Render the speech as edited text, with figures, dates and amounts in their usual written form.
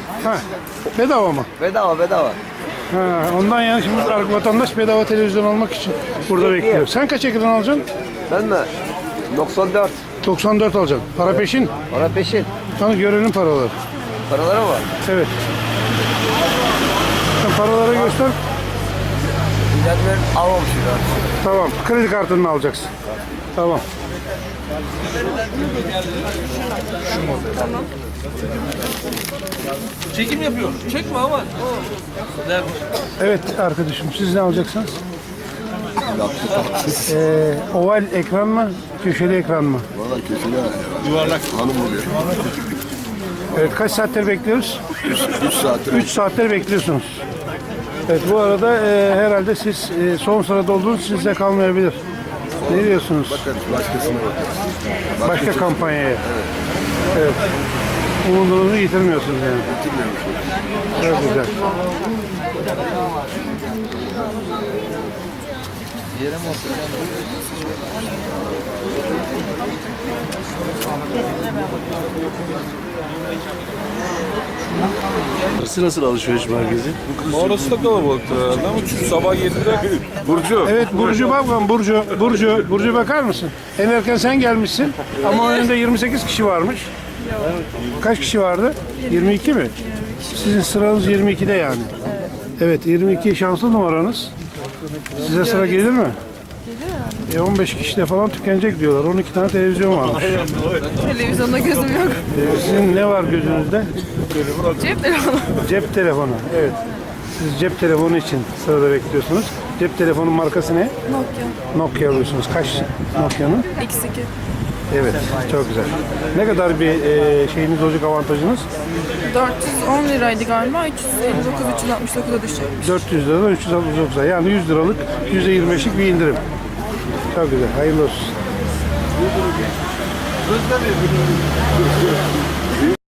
Ha, bedava mı? Bedava bedava. Ha, ondan yani şimdi vatandaş bedava televizyon almak için burada bekliyor. Sen kaç ekran alacaksın? Ben mi? 94. 94 alacaksın. Para peşin. Para peşin. Sana görenin paraları. Paraları mı var? Evet. Sen paraları göster. Ben almamışım ya. Tamam. Kredi kartını alacaksın. Tamam. Çekim yapıyorum. Çekme ama. Evet arkadaşım, siz ne alacaksınız? Oval ekran mı, köşeli ekran mı? Valla kötü ya. Yuvarlak. Hanım oluyor. Evet, kaç saattir bekliyoruz? 3 saattir. 3 saattir bekliyorsunuz. Evet, bu arada herhalde siz son sırada olduğunuz sizde kalmayabilir. Ne diyorsunuz? Bakarız başkasına bakarız. Başka kampanyaya. Evet. Umudunuzu yitirmiyorsunuz yani. Çok güzel. Burası nasıl alışveriş merkezi? Orası da kalabalıktır herhalde ama çünkü sabah 7'de Burcu. Evet, Burcu bakalım, Burcu bakar mısın? En erken sen gelmişsin ama önünde 28 kişi varmış. Kaç kişi vardı? 22 mi? Sizin sıranız 22'de yani. Evet, 22 şanslı numaranız. Size sıra gelir mi? 15 kişide falan tükenecek diyorlar. 12 tane televizyon varmış. Televizyonda gözüm yok. Sizin ne var gözünüzde? Cep telefonu. Cep telefonu. Evet. Siz cep telefonu için sırada bekliyorsunuz. Cep telefonu markası ne? Nokia alıyorsunuz. Kaç Nokia'nın? X2. Evet, çok güzel. Ne kadar bir şeyiniz olacak, avantajınız? 410 liraydı galiba. 359, 369'a düşecek. 400 liradan 369'a. Yani 100 liralık %25'lik bir indirim. Çok güzel. Hayırlı olsun.